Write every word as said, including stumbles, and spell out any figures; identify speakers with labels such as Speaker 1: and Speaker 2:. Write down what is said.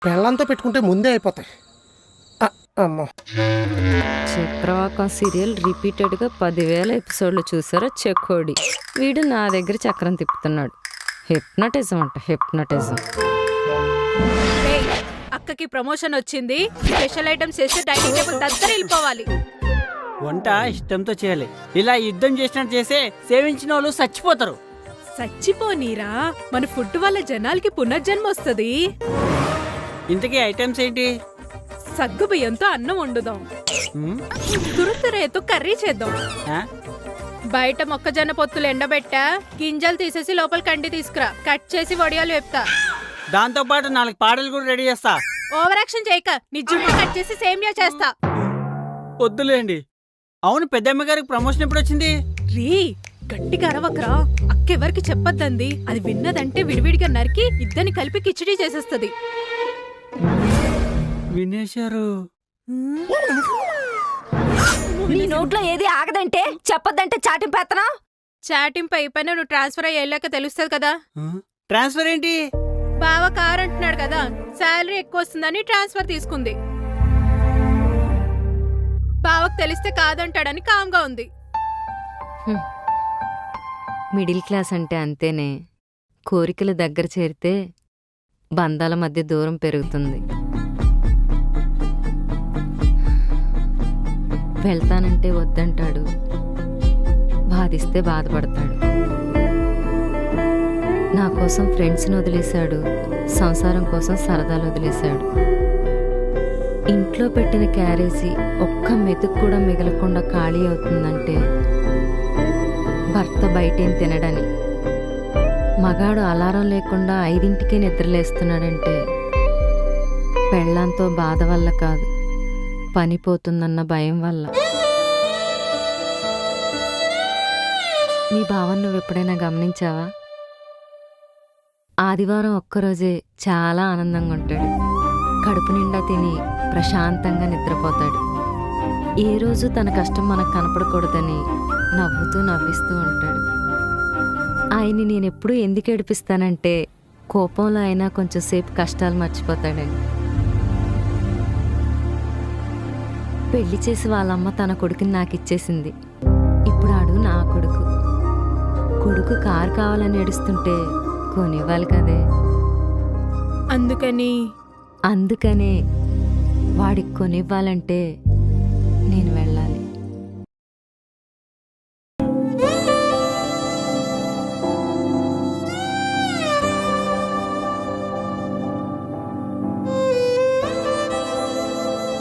Speaker 1: పెళ్ళంతో పెట్టుకుంటే ముందే అయిపోతాయి. ఆ, అమ్మో
Speaker 2: చక్రవాకం సీరియల్ రిపీటెడ్గా పదివేల ఎపిసోడ్లు చూసారా చెక్కోడి. వీడు నా దగ్గర చక్రం తిప్పుతున్నాడు. హిప్నటిజం అంట హిప్నటిజం.
Speaker 3: ఏయ్, అక్కకి ప్రమోషన్ వచ్చింది. స్పెషల్ ఐటమ్స్ చేస్తే డైనింగ్ టేబుల్ దగ్గర వెళ్ళిపోవాలి.
Speaker 4: వంట ఇష్టంతో చేయాలి. ఇలా యుద్ధం చేసినట్టు చేస్తే సేవించిన వాళ్ళు చచ్చిపోతారు.
Speaker 3: చచ్చిపోనీరా, మన ఫుడ్ వల్ల జనాలకి పునర్జన్మ వస్తుంది.
Speaker 4: ఇంతకీ ఐటమ్స్ ఏంటి?
Speaker 3: సగ్గు బియ్యంతో అన్నం వండుదాం,
Speaker 4: ఉమ్,
Speaker 3: తురుతురేతో కర్రీ చేద్దాం.
Speaker 4: ఆ?
Speaker 3: బయట మొక్కజొన్న పొత్తులు ఎండబెట్టా, గింజలు తీసేసి లోపల కండి తీసుకురా, కట్ చేసి వడియాలు వేపుతా.
Speaker 4: దాంతో పాటు నాలుగు పాటలు కూడా రెడీ చేస్తా.
Speaker 3: ఓవర్ యాక్షన్ చేయక, నీ జుట్టు కట్ చేసి సేమియా చేస్తా.
Speaker 4: వద్దులేండి. అవును, పెద్దమ్మ గారికి ప్రమోషన్ ఎప్పుడు వచ్చింది?
Speaker 3: రీ గట్టిగా అరవకరా, అక్కెవరికి చెప్పొద్దంది. అది విన్నదంటే విడివిడిగా నరికి ఇద్దరిని కలిపి కిచిడీ చేసేస్తది.
Speaker 4: వినేశారు.
Speaker 2: నీ నోట్లో ఏది ఆగదంటే చెప్పొద్దంటే చాటింపేత్తనా?
Speaker 3: చాటింపు అయిపోయినా నువ్వు ట్రాన్స్ఫర్ అయ్యి వెళ్ళాక తెలుస్తుంది కదా.
Speaker 4: ఆ? ట్రాన్స్ఫర్ ఏంటి?
Speaker 3: బావ కార్ అంటున్నాడు కదా, శాలరీ ఎక్కువ వస్తుందని ట్రాన్స్ఫర్ తీసుకుంది. బావకు తెలిస్తే కాదంటాడని కామ్గా ఉంది.
Speaker 2: మిడిల్ క్లాస్ అంటే అంతేనే. కోరికలు దగ్గర చేరితే బంధాల మధ్య దూరం పెరుగుతుంది. వెళ్తానంటే వద్దంటాడు, బాధిస్తే బాధపడతాడు. నా కోసం ఫ్రెండ్స్ని వదిలేశాడు, సంసారం కోసం సరదాలు వదిలేశాడు. ఇంట్లో పెట్టిన క్యారేజీ ఒక్క మెతుకు కూడా మిగలకుండా ఖాళీ అవుతుందంటే భర్త బయటేం తినడని. మగాడు అలారం లేకుండా ఐదింటికే నిద్రలేస్తున్నాడంటే పెళ్ళాంతో బాధ వల్ల కాదు, పనిపోతుందన్న భయం వల్ల. నీ భావం నువ్వు ఎప్పుడైనా గమనించావా? ఆదివారం ఒక్కరోజే చాలా ఆనందంగా ఉంటాడు. కడుపు నిండా తిని ప్రశాంతంగా నిద్రపోతాడు. ఏ రోజు తన కష్టం మనకు కనపడకూడదని నవ్వుతూ నవ్విస్తూ ఉంటాడు. ఆయన్ని నేనెప్పుడూ ఎందుకు ఏడిపిస్తానంటే కోపంలో అయినా కొంచెం సేపు కష్టాలు మర్చిపోతాడని. పెళ్లి చేసి వాళ్ళమ్మ తన కొడుకుని నాకు ఇచ్చేసింది. ఇప్పుడు ఆడు నా కొడుకు. కొడుకు కారు కావాలని ఏడుస్తుంటే కొనివ్వాలి కదే.
Speaker 3: అందుకని
Speaker 2: అందుకనే వాడికి కొనివ్వాలంటే